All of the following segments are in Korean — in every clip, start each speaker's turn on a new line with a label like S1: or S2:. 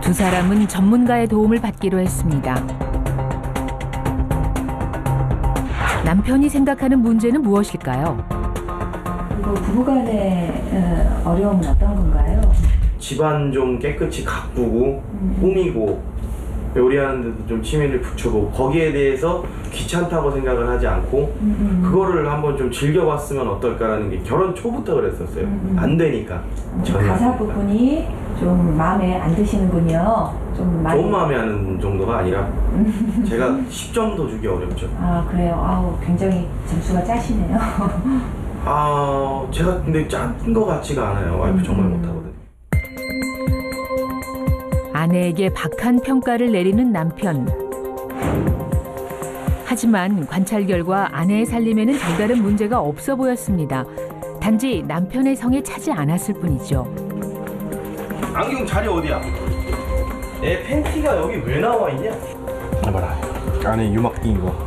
S1: 두 사람은 전문가의 도움을 받기로 했습니다. 남편이 생각하는 문제는 무엇일까요?
S2: 그리고 부부간의 어려움은 어떤 건가요?
S3: 집안 좀 깨끗이 가꾸고 꾸미고 요리하는 데도 좀 취미를 붙여보고 거기에 대해서 귀찮다고 생각을 하지 않고 그거를 한번 좀 즐겨봤으면 어떨까라는 게 결혼 초부터 그랬었어요. 안 되니까.
S2: 가사 부분이 좀 마음에 안 드시는군요. 좀 많이.
S3: 좋은 마음에 하는 정도가 아니라 제가 10점도 주기 어렵죠.
S2: 아 그래요? 아우 굉장히 점수가 짜시네요.
S3: 제가 근데 짠 거 같지가 않아요. 와이프 정말 못하거든요.
S1: 아내에게 박한 평가를 내리는 남편. 하지만 관찰 결과 아내의 살림에는 별다른 문제가 없어 보였습니다. 단지 남편의 성에 차지 않았을 뿐이죠.
S3: 안경 자리 어디야? 내 팬티가 여기 왜 나와 있냐? 봐라, 안에 유막 낀 거.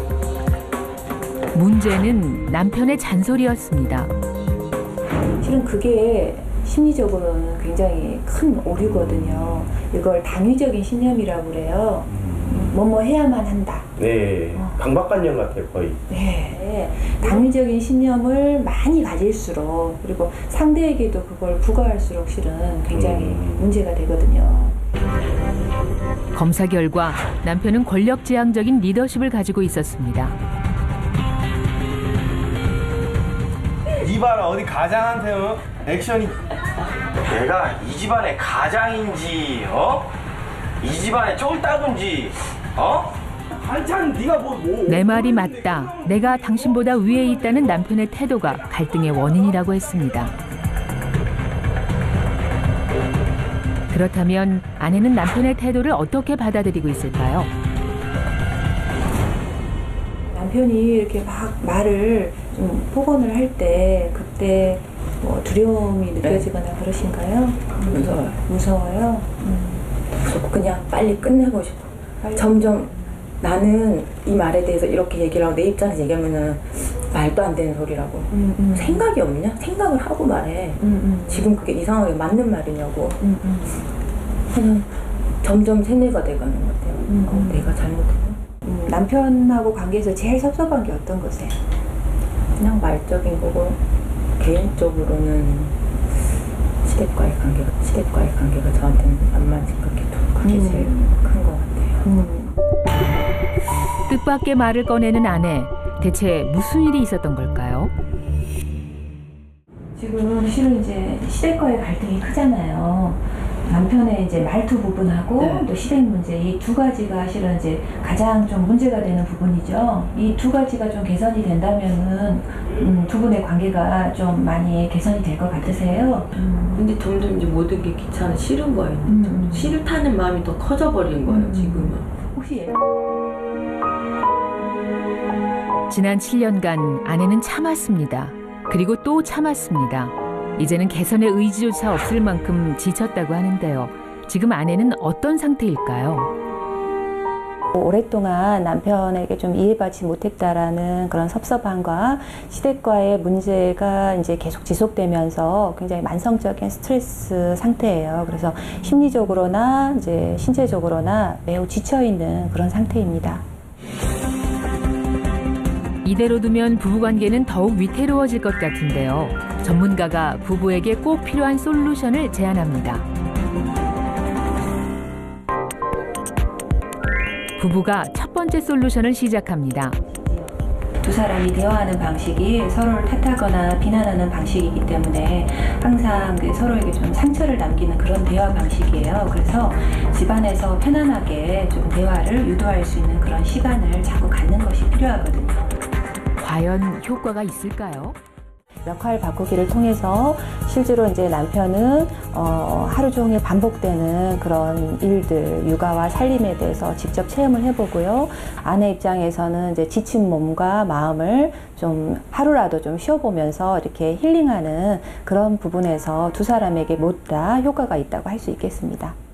S1: 문제는 남편의 잔소리였습니다.
S2: 실은 그게 심리적으로는 굉장히 큰 오류거든요. 이걸 당위적인 신념이라고 그래요. 뭐뭐 해야만 한다.
S3: 네, 강박관념 같아요 거의.
S2: 네, 당위적인 신념을 많이 가질수록 그리고 상대에게도 그걸 부과할수록 실은 굉장히 문제가 되거든요.
S1: 검사 결과 남편은 권력지향적인 리더십을 가지고 있었습니다.
S3: 이봐라, 어디 가장한테 액션이. 내가 이 집안의 가장인지 이 집안의 쫄따군지 한참 네가
S1: 내 말이 맞다. 내가 당신보다 위에 있다는 남편의 태도가 갈등의 원인이라고 했습니다. 그렇다면 아내는 남편의 태도를 어떻게 받아들이고 있을까요?
S2: 남편이 이렇게 막 말을 좀 폭언을 할 때 그때 뭐 두려움이 느껴지거나 그러신가요?
S4: 무서워요.
S2: 무서워요?
S4: 그냥 빨리 끝내고 싶어. 점점 나는 이 말에 대해서 이렇게 얘기를 하고 내 입장에서 얘기하면은 말도 안 되는 소리라고. 생각이 없냐? 생각을 하고 말해. 지금 그게 이상하게 맞는 말이냐고. 그냥 점점 세뇌가 돼가는 것 같아요. 내가 잘못했나?
S2: 남편하고 관계에서 제일 섭섭한 게 어떤 거세요?
S4: 그냥 말적인 거고 개인적으로는 시댁과의 관계가 저한테는 안 맞은 것 같아요. 그게 제일 큰 것 같아요.
S1: 뜻밖의 말을 꺼내는 아내. 대체 무슨 일이 있었던 걸까요?
S2: 지금 실은 이제 시댁과의 갈등이 크잖아요. 남편의 이제 말투 부분하고 또 시댁 문제 이 두 가지가 실은 이제 가장 좀 문제가 되는 부분이죠. 이 두 가지가 좀 개선이 된다면은 두 분의 관계가 좀 많이 개선이 될 것 같으세요?
S5: 근데 점점 이제 모든 게 귀찮아 싫은 거예요. 싫다는 마음이 더 커져버린 거예요. 지금은.
S2: 혹시
S1: 지난 7년간 아내는 참았습니다. 그리고 또 참았습니다. 이제는 개선의 의지조차 없을 만큼 지쳤다고 하는데요. 지금 아내는 어떤 상태일까요?
S2: 오랫동안 남편에게 좀 이해받지 못했다라는 그런 섭섭함과 시댁과의 문제가 이제 계속 지속되면서 굉장히 만성적인 스트레스 상태예요. 그래서 심리적으로나 이제 신체적으로나 매우 지쳐 있는 그런 상태입니다.
S1: 이대로 두면 부부관계는 더욱 위태로워질 것 같은데요. 전문가가 부부에게 꼭 필요한 솔루션을 제안합니다. 부부가 첫 번째 솔루션을 시작합니다.
S2: 두 사람이 대화하는 방식이 서로를 탓하거나 비난하는 방식이기 때문에 항상 서로에게 좀 상처를 남기는 그런 대화 방식이에요. 그래서 집안에서 편안하게 좀 대화를 유도할 수 있는 그런 시간을 자꾸 갖는 것이 필요하거든요.
S1: 과연 효과가 있을까요?
S2: 역할 바꾸기를 통해서 실제로 이제 남편은 하루 종일 반복되는 그런 일들, 육아와 살림에 대해서 직접 체험을 해보고요. 아내 입장에서는 이제 지친 몸과 마음을 좀 하루라도 좀 쉬어보면서 이렇게 힐링하는 그런 부분에서 두 사람에게 모두 다 효과가 있다고 할 수 있겠습니다.